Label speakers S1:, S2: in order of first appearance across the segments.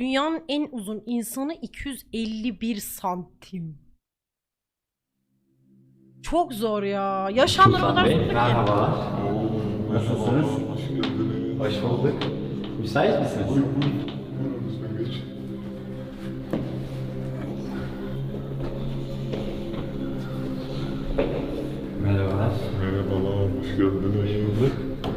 S1: Dünyanın en uzun insanı 251 santim. Çok zor ya. Yaşamlar o
S2: Sultan
S1: kadar
S2: Bey,
S1: zor ki.
S2: merhabalar.
S3: Oo,
S2: Nasılsınız?
S3: merhaba, hoş geldiniz.
S2: Hoş bulduk. Müsait misiniz?
S3: Buyur, buyur. Buyurun lütfen geç.
S2: Merhabalar.
S3: Merhabalar, hoş geldiniz.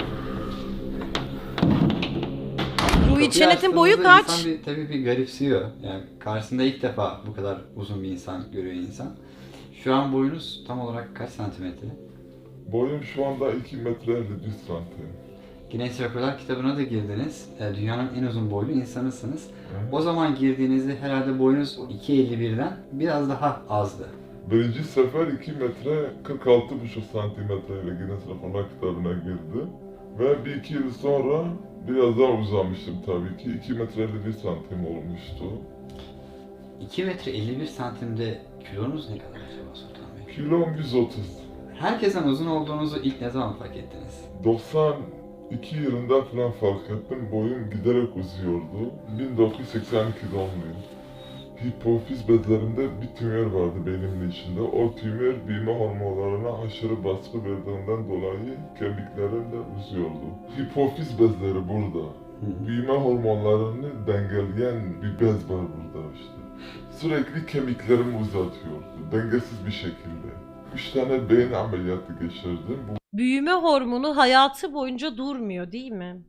S1: Ruhi
S2: Kapıyı
S1: Çenet'in boyu
S2: açtığınızda
S1: kaç?
S2: İnsan tabii bir garipsiyor. Yani karşısında ilk defa bu kadar uzun bir insan görüyor insan. Şu an boyunuz tam olarak kaç santimetre?
S3: Boyum şu anda 2 metre 51 santim.
S2: Guinness Rekorlar kitabına da girdiniz. Dünyanın en uzun boylu insanısınız.
S3: Hı.
S2: O zaman girdiğinizde herhalde boyunuz 2.51'den biraz daha azdı.
S3: Birinci sefer 2 metre 46,5 santimetre ile Guinness Rekorlar kitabına girdim. Ve bir iki yıl sonra biraz daha uzamıştım tabii ki. 2 metre 51 santim olmuştu.
S2: 2 metre 51 santimde kilonuz ne kadar acaba Sultan Bey?
S3: Kilom 130.
S2: Herkesten uzun olduğunuzu ilk ne zaman fark ettiniz?
S3: 92 yılında falan fark ettim. Boyum giderek uzuyordu. 1982 doğumluyum. Hipofiz bezlerimde bir tümör vardı beynimin içinde. O tümör büyüme hormonlarına aşırı baskı verdiğinden dolayı kemiklerim de uzuyordu. Hipofiz bezleri burada. Büyüme hormonlarını dengeleyen bir bez var burada işte. Sürekli kemiklerimi uzatıyordu. Dengesiz bir şekilde. 3 tane beyin ameliyatı geçirdim.
S1: Büyüme hormonu hayatı boyunca durmuyor değil mi?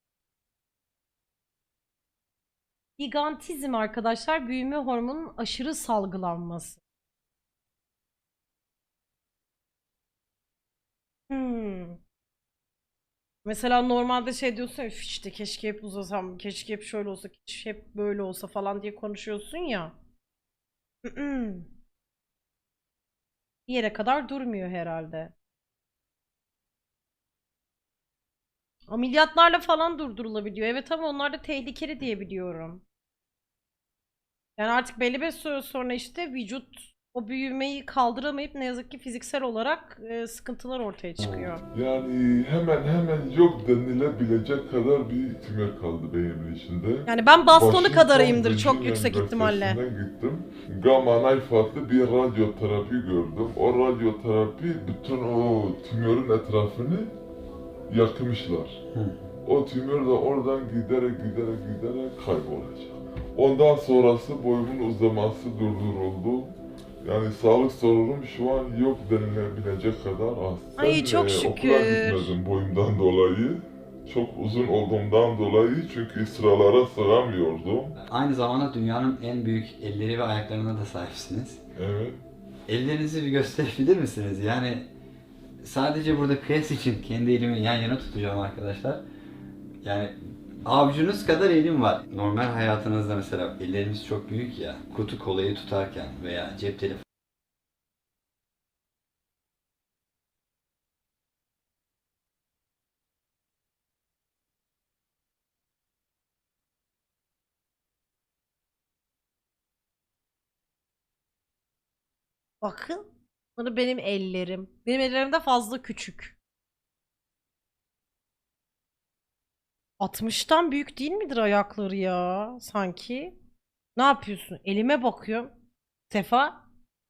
S1: Gigantizm arkadaşlar büyüme hormonunun aşırı salgılanması. Hmm. Mesela normalde şey diyorsun ya "Üf işte keşke hep uzasam, keşke hep şöyle olsa, keşke hep böyle olsa falan diye konuşuyorsun ya. Bir yere kadar durmuyor herhalde. Ameliyatlarla falan durdurulabiliyor. Evet ama onlar da tehlikeli diye biliyorum. Yani artık belli bir süre sonra işte vücut o büyümeyi kaldıramayıp ne yazık ki fiziksel olarak sıkıntılar ortaya çıkıyor.
S3: Yani hemen yok denilebilecek kadar bir tümör kaldı beynimin içinde.
S1: Yani ben bastonu
S3: Washington
S1: kadarıyımdır çok
S3: Virginia
S1: yüksek ihtimalle.
S3: Üniversitesi'ne gittim. Gamma knife adlı bir radyoterapi gördüm. O radyoterapi bütün o tümörün etrafını yakmışlar. O tümör de oradan giderek kaybolacak. Ondan sonrası boyumun uzaması durduruldu. Yani sağlık sorunum şu an yok denilebilecek kadar az.
S1: Ay çok
S3: Okula
S1: şükür.
S3: gitmedim boyumdan dolayı. Çok uzun olduğumdan dolayı çünkü sıralara sığamıyordum.
S2: Aynı zamanda dünyanın en büyük elleri ve ayaklarına da sahipsiniz.
S3: Evet.
S2: Ellerinizi bir gösterebilir misiniz? Yani sadece burada kıyas için kendi elimi yan yana tutacağım arkadaşlar. Yani avucunuz kadar elim var. Normal hayatınızda mesela ellerimiz çok büyük ya. Kutu kolayı tutarken veya cep telefonu.
S1: Bakın. Bunu benim ellerim. Benim ellerim de fazla küçük. 60'tan büyük değil midir ayakları ya sanki? Ne yapıyorsun? Elime bakıyorum. Sefa.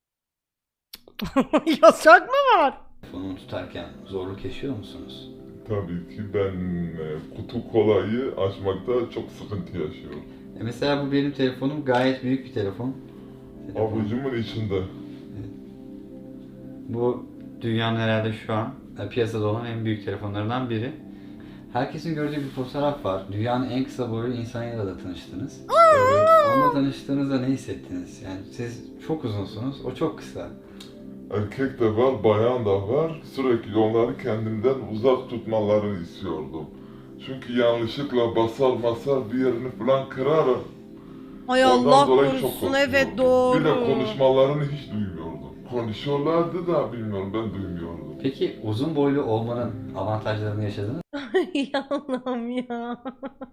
S1: Yasak mı var?
S2: Telefonumu tutarken zorluk yaşıyor musunuz?
S3: Tabii ki ben kutu kolayı açmakta çok sıkıntı yaşıyorum.
S2: Mesela bu benim telefonum gayet büyük bir telefon.
S3: Avucumun içinde.
S2: Bu dünyanın herhalde şu an piyasada olan en büyük telefonlarından biri. Herkesin gördüğü bir fotoğraf var. Dünyanın en kısa boylu insanıyla da tanıştınız. Onunla tanıştığınızda ne hissettiniz? Yani siz çok uzunsunuz, o çok kısa.
S3: Erkek de var, bayan da var. Sürekli onları kendimden uzak tutmalarını istiyordum. Çünkü yanlışlıkla basar bir yerini falan kırarım.
S1: Ay
S3: Ondan
S1: Allah
S3: dolayı çok
S1: korusun
S3: korkuyordum.
S1: evet
S3: Bir de
S1: doğru.
S3: konuşmalarını hiç duymuyordum. Konuşuyorlardı da bilmiyorum ben duymuyordum.
S2: Peki uzun boylu olmanın avantajlarını yaşadınız
S1: Ay Allah'ım ya.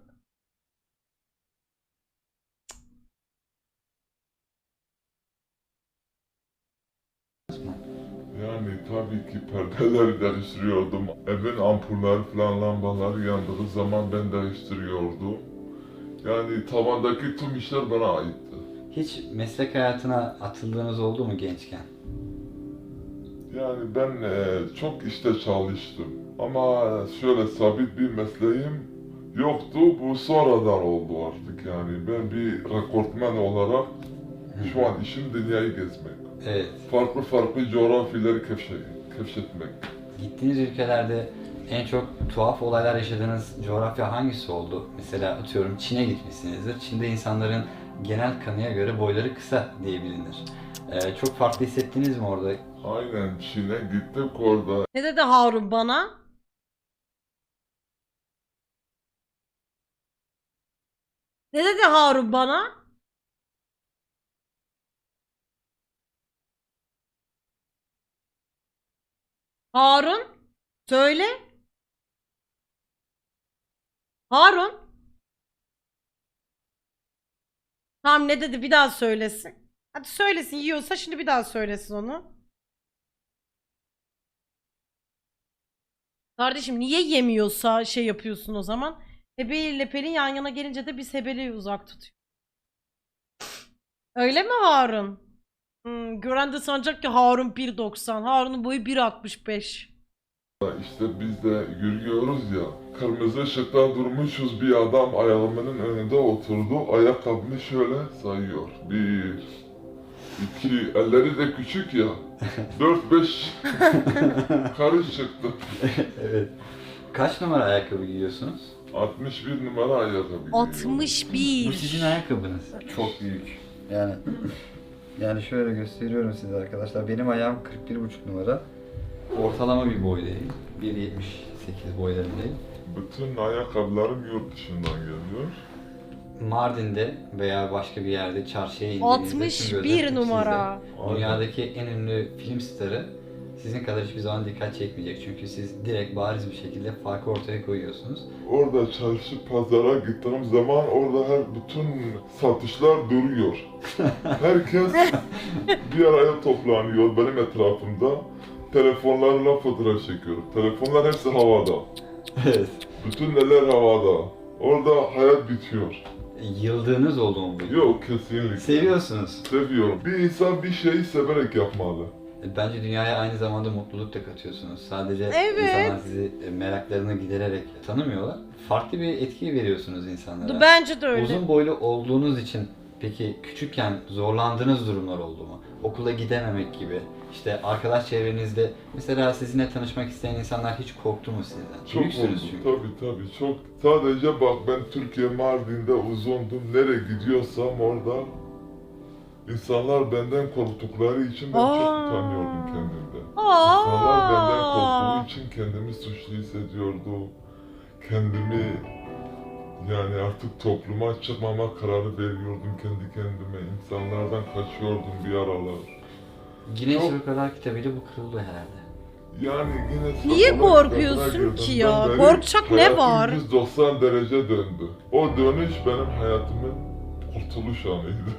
S2: mı?
S3: Yani tabii ki perdeleri değiştiriyordum. Evin ampulleri falan lambaları yandığı zaman ben değiştiriyordum. Yani tavandaki tüm işler bana aitti.
S2: Hiç meslek hayatına atıldığınız oldu mu gençken?
S3: Yani ben çok işte çalıştım. Ama şöyle sabit bir mesleğim yoktu. Bu sonradan oldu artık yani. Ben bir rekortmen olarak şu an işim dünyayı gezmek.
S2: Evet.
S3: Farklı farklı coğrafyaları keşfetmek.
S2: Gittiğiniz ülkelerde en çok tuhaf olaylar yaşadığınız coğrafya hangisi oldu? Mesela atıyorum Çin'e gitmişsinizdir. Çin'de insanların genel kanıya göre boyları kısa diye bilinir. Çok farklı hissettiniz mi orada?
S3: Aynen Çin'e gittik orada.
S1: Ne dedi Harun bana? Ne dedi Harun bana? Harun? Söyle. Harun? Tamam ne dedi bir daha söylesin. Hadi söylesin yiyorsa şimdi bir daha söylesin onu. Kardeşim niye yemiyorsa şey yapıyorsun o zaman? Hebe ile Pelin yan yana gelince de biz Hebeli'yi uzak tutuyor. Öyle mi Harun? Gören de sanacak ki Harun 1.90. Harun'un boyu 1.65.
S3: İşte biz de yürüyoruz ya. Kırmızı ışıkta durmuşuz, bir adam ayağımın önünde oturdu. Ayakkabını şöyle sayıyor. 1, 2, elleri de küçük ya. 4, 5 karış çıktı.
S2: Evet. Kaç numara ayakkabı giyiyorsunuz?
S3: 61 numara ayakkabı giyiyor.
S2: Bu
S1: 61.
S2: sizin ayakkabınız. Çok büyük. Yani şöyle gösteriyorum size arkadaşlar. Benim ayağım 41,5 numara. Ortalama bir boydayım. 1,78 boylarındayım.
S3: Bütün ayakkabılarım yurt dışından geliyor.
S2: Mardin'de veya başka bir yerde çarşıya indiğinizde tüm gözler
S1: 61
S2: hep
S1: numara.
S2: sizde. Dünyadaki en ünlü film starı sizin kadar hiçbir zaman dikkat çekmeyecek. Çünkü siz direkt bariz bir şekilde farkı ortaya koyuyorsunuz.
S3: Orada çarşı pazara gittiğim zaman orada bütün satışlar duruyor. Herkes bir araya toplanıyor benim etrafımda. Telefonlarla fotoğraf çekiyor. Telefonlar hepsi havada.
S2: Evet.
S3: Bütün neler havada. Orada hayat bitiyor.
S2: Yıldığınız oldu mu bu?
S3: Yok kesinlikle.
S2: Seviyorsunuz.
S3: Seviyorum. Bir insan bir şeyi severek yapmalı.
S2: Bence dünyaya aynı zamanda mutluluk da katıyorsunuz. Sadece
S1: Evet.
S2: insanlar sizi meraklarını gidererek tanımıyorlar. Farklı bir etki veriyorsunuz insanlara.
S1: Bence de öyle.
S2: Uzun boylu olduğunuz için peki küçükken zorlandığınız durumlar oldu mu? Okula gidememek gibi. İşte arkadaş çevrenizde mesela sizinle tanışmak isteyen insanlar hiç korktu mu sizden?
S3: Çok
S2: Büyüksünüz
S3: oldu.
S2: çünkü.
S3: Tabii çok. Sadece bak ben Türkiye Mardin'de uzundum. Nereye gidiyorsam orada insanlar benden korktukları için ben çok utanıyordum kendimden. İnsanlar benden korktuğu için kendimi suçlu hissediyordum. Kendimi yani artık topluma çıkmama kararı veriyordum kendi kendime. İnsanlardan kaçıyordum bir aralar.
S2: Guinness
S3: Çok-
S2: Rekorlar kitabıyla bu kırıldı herhalde.
S3: Yani yine
S1: Niye
S3: sakallar
S1: korkuyorsun
S3: kitabına
S1: ki
S3: girdiğimden
S1: ya?
S3: beri
S1: Korkacak ne
S3: hayatım
S1: var?
S3: 190 derece döndü. O dönüş benim hayatımın kurtuluş anıydı.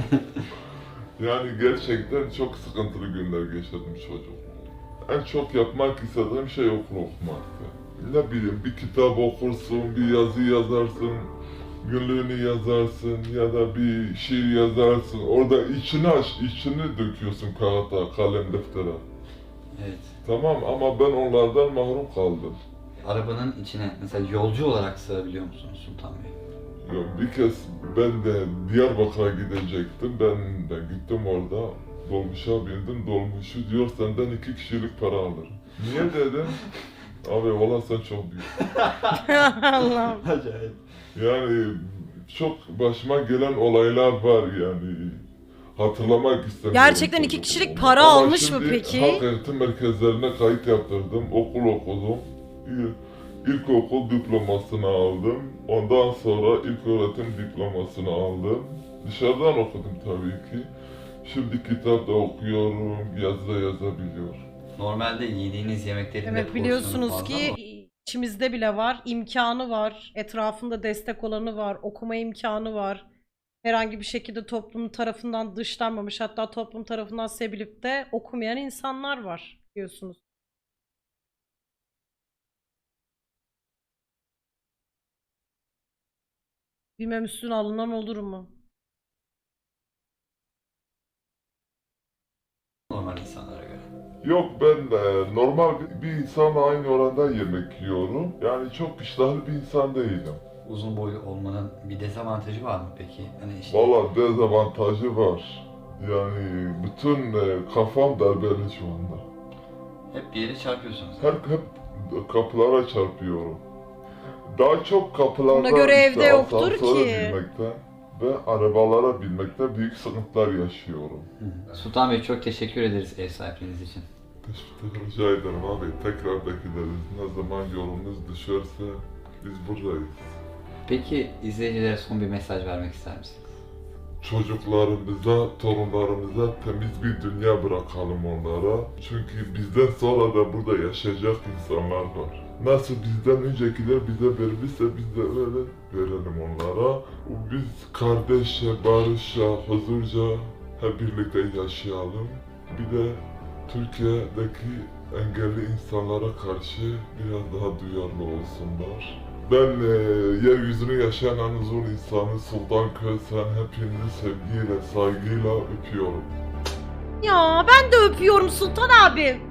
S3: Yani gerçekten çok sıkıntılı günler geçirdim çocuk. En çok yapmak istediğim şey okul okumaktı. Ne bileyim bir kitap okursun, bir yazı yazarsın, günlüğünü yazarsın ya da bir şiir yazarsın. Orada içini döküyorsun kağıda, kalem, deftere.
S2: Evet.
S3: Tamam ama ben onlardan mahrum kaldım.
S2: Arabanın içine mesela yolcu olarak sığabiliyor musunuz Sultan Bey?
S3: Ya bir kez ben de Diyarbakır'a gidecektim. Ben de gittim orada. Dolmuşa bindim. Dolmuşu diyor senden 2 kişilik para alır. Niye dedim? Abi valla sen çok büyük.
S1: Allah'ım.
S2: Acayip.
S3: Yani çok başıma gelen olaylar var yani. Hatırlamak istemiyorum.
S1: Gerçekten 2
S3: çocukluğumu.
S1: kişilik para
S3: Ama
S1: almış mı
S3: şimdi
S1: peki?
S3: halk eğitim merkezlerine kayıt yaptırdım. Okul okudum. İlkokul diplomasını aldım. Ondan sonra ilköğretim diplomasını aldım. Dışarıdan okudum tabii ki. Şimdi kitap da okuyorum, yazı da yazabiliyorum.
S2: Normalde yediğiniz yemeklerin de
S1: Evet
S2: porsiyonu
S1: biliyorsunuz
S2: fazla
S1: ki
S2: ama
S1: içimizde bile var, imkanı var, etrafında destek olanı var, okuma imkanı var. Herhangi bir şekilde toplum tarafından dışlanmamış, hatta toplum tarafından sevilip de okumayan insanlar var diyorsunuz. Bilmem üstüne alınan olur mu?
S2: normal insanlara göre.
S3: Yok, ben normal bir insanla aynı oranda yemek yiyorum. Yani çok iştahlı bir insan değilim.
S2: Uzun boylu olmanın bir dezavantajı var mı peki? Hani işte
S3: Valla dezavantajı var. Yani bütün kafam darbeli şu anda.
S2: hep bir yere çarpıyorsunuz.
S3: Hep kapılara çarpıyorum. Daha çok kapılarda
S1: Ona göre evde yoktur
S3: asansöre
S1: ki.
S3: binmekte ve arabalara binmekte büyük sıkıntılar yaşıyorum.
S2: Hı. Sultan Bey çok teşekkür ederiz ev sahipliğiniz için.
S3: Teşekkür rica ederim abi. Tekrar bekleriz. Ne zaman yolunuz düşerse biz buradayız.
S2: Peki izleyicilere son bir mesaj vermek ister misiniz?
S3: Çocuklarımıza, torunlarımıza temiz bir dünya bırakalım onlara. Çünkü bizden sonra da burada yaşayacak insanlar var. Nasıl bizden öncekiler bize vermişse biz de öyle verelim onlara. Biz kardeşçe, barışça, huzurca hep birlikte yaşayalım. Bir de Türkiye'deki engelli insanlara karşı biraz daha duyarlı olsunlar. Ben yeryüzünü yaşayan en uzun insanı Sultan Kösen hepinizi sevgiyle, saygıyla öpüyorum.
S1: Ya ben de öpüyorum Sultan abi.